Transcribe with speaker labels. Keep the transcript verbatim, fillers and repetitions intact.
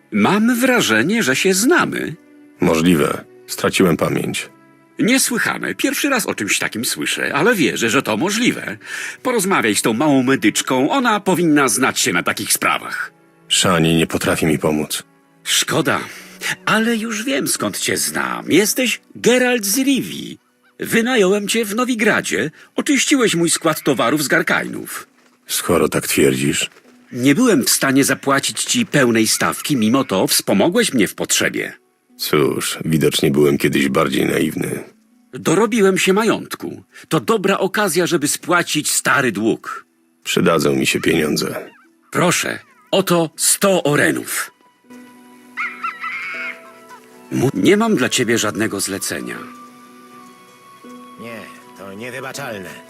Speaker 1: Mam wrażenie, że się znamy.
Speaker 2: Możliwe. Straciłem pamięć.
Speaker 1: Niesłychane. Pierwszy raz o czymś takim słyszę, ale wierzę, że to możliwe. Porozmawiaj z tą małą medyczką, ona powinna znać się na takich sprawach.
Speaker 2: Shani nie potrafi mi pomóc.
Speaker 1: Szkoda, ale już wiem, skąd cię znam. Jesteś Geralt z Rivii. Wynająłem cię w Nowigradzie, oczyściłeś mój skład towarów z Garkainów.
Speaker 2: Skoro tak twierdzisz,
Speaker 1: Nie byłem w stanie zapłacić ci pełnej stawki, mimo to wspomogłeś mnie w potrzebie.
Speaker 2: cóż, widocznie byłem kiedyś bardziej naiwny.
Speaker 1: Dorobiłem się majątku. To dobra okazja, żeby spłacić stary dług.
Speaker 2: Przydadzą mi się pieniądze.
Speaker 1: Proszę, oto sto orenów. Mu- Nie mam dla ciebie żadnego zlecenia.
Speaker 3: Nie, to niewybaczalne.